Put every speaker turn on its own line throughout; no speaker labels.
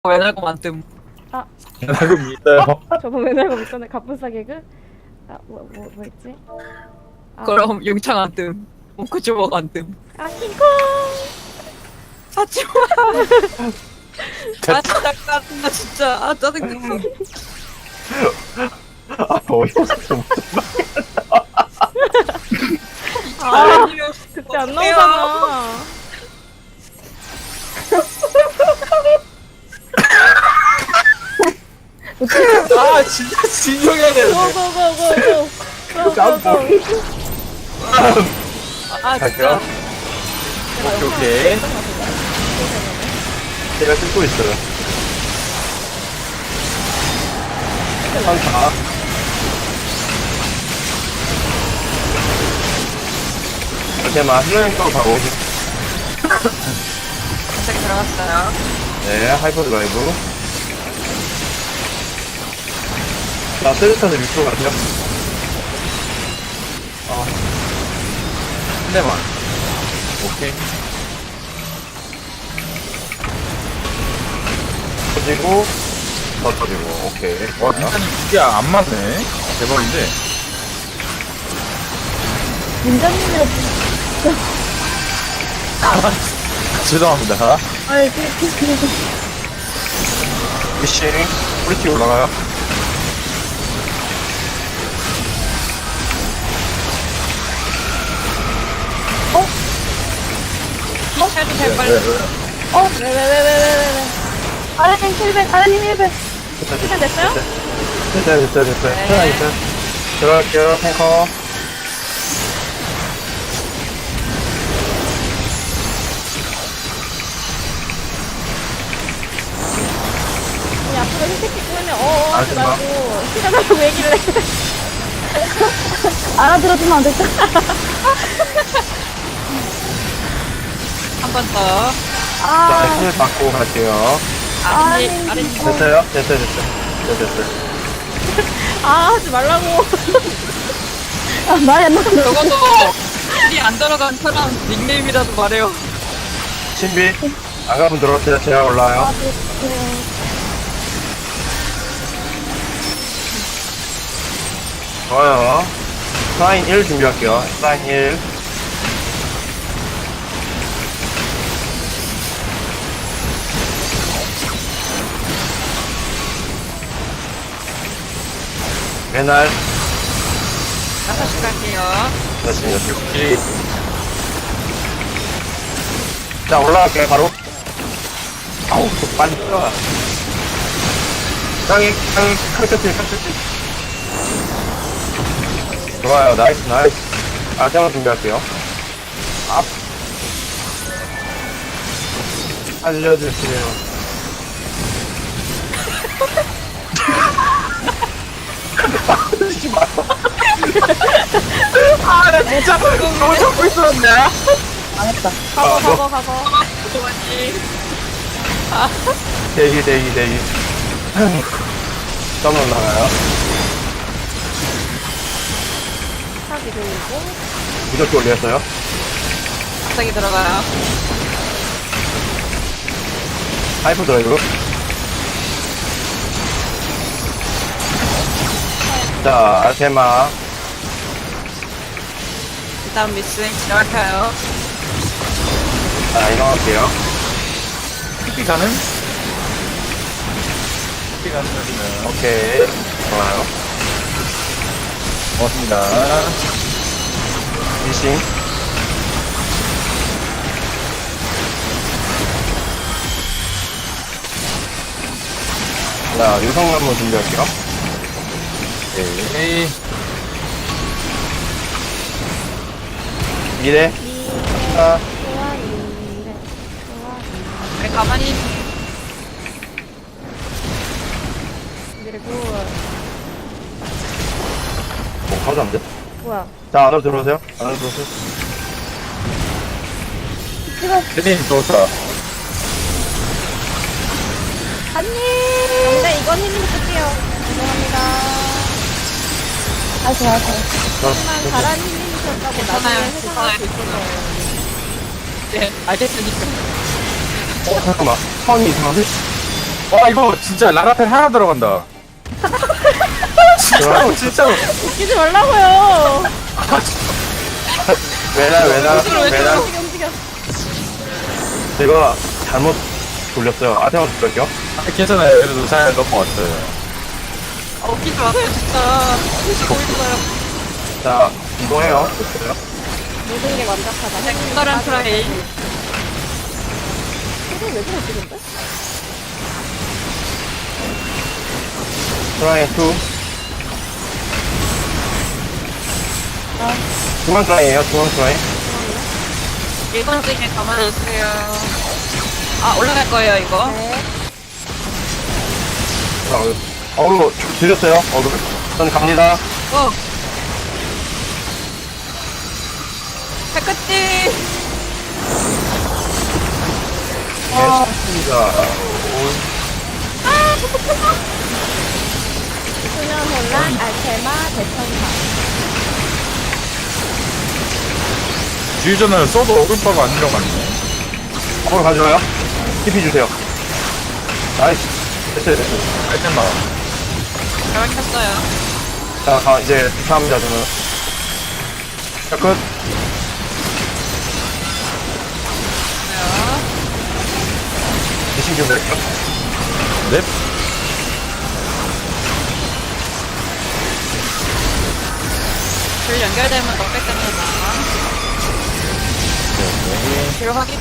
외날고 만듦.
알고 믿어요.
저번 맨날 있었네. 갑분싸 개그? 뭐 있지?
그럼 용창 안 뜸. 몽크 주먹 안 뜸.
킹콩!
사치마. 아 진짜 짜증나 진짜. 아 짜증나.
어이없어.
아니요.
그때 안 나오잖아.
아 진짜 진정해야 되는데.
고고고고고!
아
갈게요.
진짜.
오케이. 제가 찍고 있어요. 한타. 이렇게만 힐링 또 가고.
책 들어갔어요.
네, 하이퍼 드라이브. 자, 세르타는 밑으로 가세요. 한 대만. 오케이. 터지고, 더 터지고, 오케이.
와, 민찬이 이게 안 맞네. 대박인데.
민자님이랑
죄송합니다.
미싱, 프리티 올라가요.
해도 될 빨리.
왜? 아래님 힐백, 아래님 힐백. 시간 됐어요?
됐어요.
네.
하나 있어요. 들어갈게요, 탱커.
아니, 앞으로 힐백 찍고 하면 하지
마.
말고 시간하고 얘기를 해. 알아들어주면 안 될까?
한 번 더.
자, 힘을 받고 갈게요.
아랫님 아랫님.
됐어요? 됐어요.
하지 말라고. 말이 안 나가.
적어도 일이 안 들어간 사람 닉네임이라도 말해요.
신비, 아가분 들어오세요. 제가 올라와요. 좋아요. 사인 1 준비할게요. 사인 1. 맨날
6시 갈게요.
다시 여기. 자, 올라갈게요, 바로. 아우, 또 빨리 들어가. 땅이, 칼끝질. 좋아요, 나이스. 아장을 준비할게요. 앞. 알려주세요. 하지 마.
아, 나 진짜 방금 너무 잡고 있었네.
가고.
그만이.
대기. 점 올라가요.
사기 들고.
무적기 올렸어요.
갑자기 들어가요.
하이퍼 드라이브. 자, 아테마.
일단 미스 시작해요.
자, 이동할게요.
TP 가는? TP 가는 거지는.
오케이. 좋아요.
고맙습니다.
미싱. 자, 유성나무 준비할게요.
오케이.
미래. 하나.
그래, 가만히.
그리고
가져안 돼?
뭐야?
자, 안으로 들어오세요.
대님 좋다.
안돼, 이건 힘이 쓸게요. 죄송합니다. 좋아요. 하지만 잘한 힘이셨다고
괜찮아요,
나중에 해석할 수 있어서.
네, 알겠으니까.
잠깐만. 선이 이상한데?
와 이거 진짜 라라펠 하나 들어간다. 진짜로 진짜로.
웃기지 말라고요.
왜나
움직여 움직여.
제가 잘못 돌렸어요. 아테만 돌렸죠?
아, 괜찮아요. 그래도 잘 넘어왔어요.
웃기지 마세요, 진짜. 보고 있어요.
자, 이동해요. 됐어요.
모든 게 완벽하다.
색다른 트라이.
이거 왜 그러지 근데?
트라이 2. 중앙 트라이에요, 중앙 트라이.
1번 찍에 가만히 있어요. 아, 올라갈 거예요, 이거.
네.
어그로 들렸어요, 어그로. 저는 갑니다.
해끝띠!
괜찮습니다.
수면 혼란, 알테마, 대천사.
주유전을 써도 어글바가 안 들어갔네.
어그로 가져와요. TP 주세요. 나이스. 됐어요, 됐어요.
알텐마.
잘 막혔어요.
자, 이제 투사합니다, 저는. 자, 끝. 미신 좀 드릴게요.
넵.
줄 연결되면 넉백 됩니다. 뒤로 확인.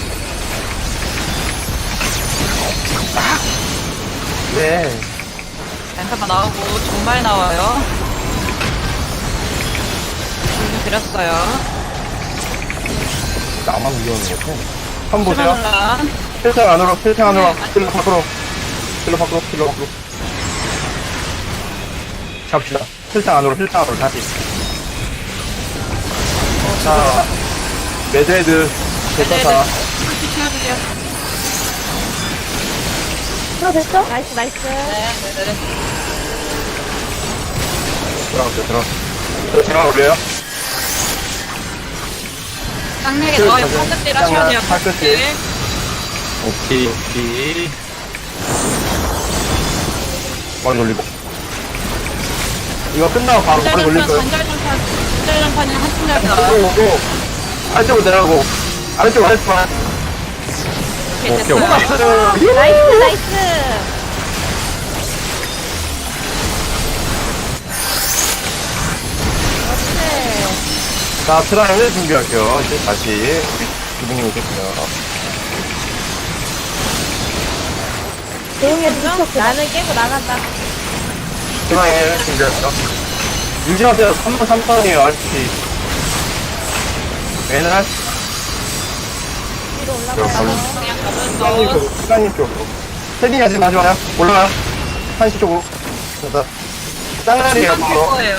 네.
랜턴만 나오고 정말 나와요. 줄좀 드렸어요.
나만 위험한 것 같아. 한번 보세요.
수면혼란.
필터 안으로, 필터 안으로, 필러 밖으로. 필러 밖으로, 필러 밖으로. 잡시다. 필터 안으로, 다시. 자, 매드헤드, 대사사.
풀피 채워주세요.
됐어? 나이스 나이스.
네네네.
들어갔어요. 제가 올려요.
쌍내게 넣어요. 팔끝질 하셔야 돼요.
팔끝질.
오케이 오케이.
머리 돌리고. 이거 끝나고 바로 머리 돌릴 거예요.
전자전판이 한층 잘 나와요.
오고, 아래쪽으로 내려가고, 아래쪽.
오케이,
오케이,
됐어요.
오케이.
나이스 나이스. 그렇지.
자, 트라이를 준비할게요. 이제 다시. 기분이 오겠고요.
조용히 해주죠. 나는 깨고 나간다.
트라이를 준비할게요. 유지하세요. 3번 3번이에요, RP. 맨날
위로 올라가요.
그냥
시간님
가면서
쪽으로, 시간님 쪽으로. 세딩 하지 마시고요. 올라가요. 한시 쪽으로. 됐다. 쌍날이에요,
중간 될
바로.
거예요.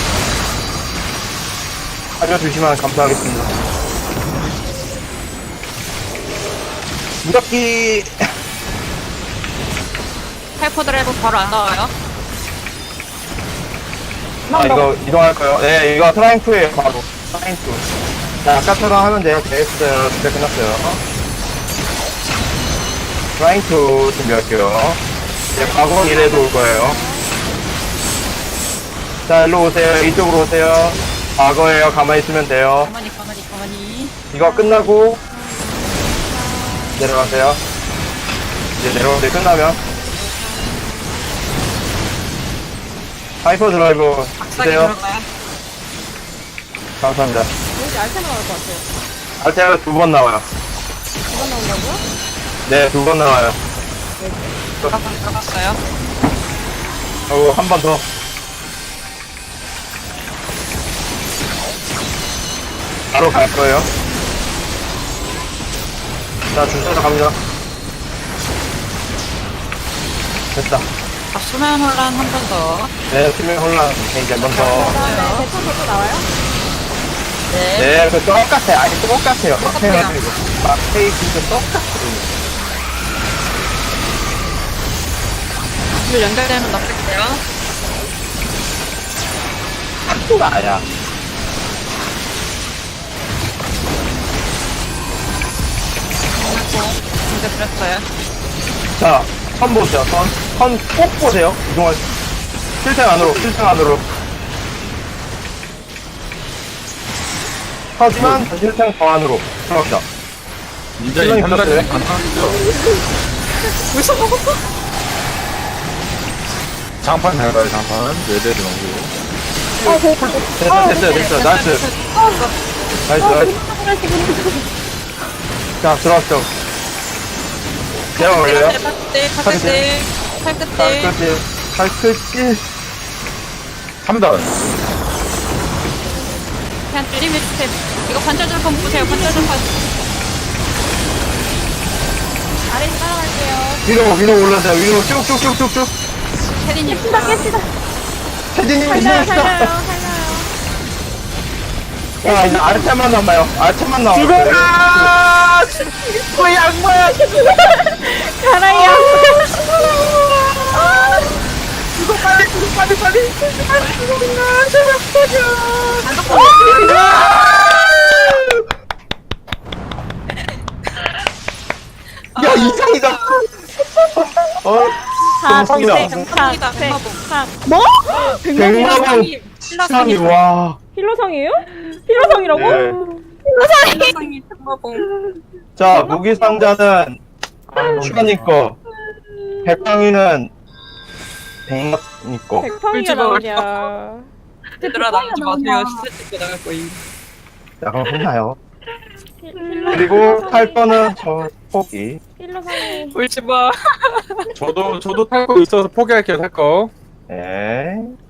알려주시면 감사하겠습니다. 무적기.
하이퍼 드라이브 바로 안 나와요.
이거 이동할까요? 네, 이거 트라잉크예요, 바로. 트라잉크. 자, 아까처럼 하면 돼요. 됐어요. 진짜 끝났어요. 트라잉크 준비할게요. 이제 과거 이래도 올 거예요. 자, 일로 오세요. 이쪽으로 오세요. 과거에요. 가만히 있으면 돼요.
가만히.
이거 끝나고 내려가세요. 이제 내려올 때 끝나면 하이퍼 드라이브
박사기
주세요.
들어가요.
감사합니다.
왠지 알테마 나올 것 같아요.
알테가 2번 나와요.
2번 나온다고요?
네, 2번 나와요.
들어갔어요.
한 번 더. 바로 갈 거예요. 자, 주셔서 갑니다. 됐다.
아, 수면 혼란 한 번 더.
네, 팀의 혼란 이제 한번 더.
그다음에 대천사도 나와요?
네.
네, 그 똑같아요. 아니, 똑같아요.
똑같아요.
페이지도 똑같아요.
줄 연결되면 넉백돼요.
학교가 아니야.
진짜 드렸어요.
자, 선 보세요, 선 꼭 보세요. 이동할 실생 안으로, 실생 안으로. 하지만 실생 더 안으로 들어갑니다.
인자
실력이
한 달에
붙었어요?
가능하죠.
벌써 먹었어?
장판 잘 가요, 장판. 외대를 넣고.
됐어요. 나이스. 나이스. 자, 들어왔죠. 제가 올려요.
팔끝들, 팔끝들.
발끝질.
3단.
그냥 줄이면 스텝. 이거 관절절판 보세요, 관절절판. 아래 따라갈게요.
위로 올라가요. 위로 쭉쭉쭉쭉쭉.
혜린님.
깼시다.
태진님
살려요,
힘내시다.
살려요, 살려요.
야, 이제 아래템만 남아요. 아래템만 남아요.
뭐 양모야.
가라이 양.
이거 빨리.
야, 이상이다. 정상이다.
정상이다, 백마봉.
뭐?
백마봉. 시상이, 와.
힐러성이에요? 힐러성이라고?
네.
힐러상이 백마봉.
자, 무기 상자는 슈가님 거. 백방이는 백마님 거.
백팡이가 나오냐.
얘들아 나가지 마세요. 시세 찍고 나갈 거임.
자, 그럼 혼나요.
힐러.
그리고 탈 거는 저 포기.
힐러성이.
울지 마.
저도 탈 거 있어서 포기할게요, 탈 거.
네.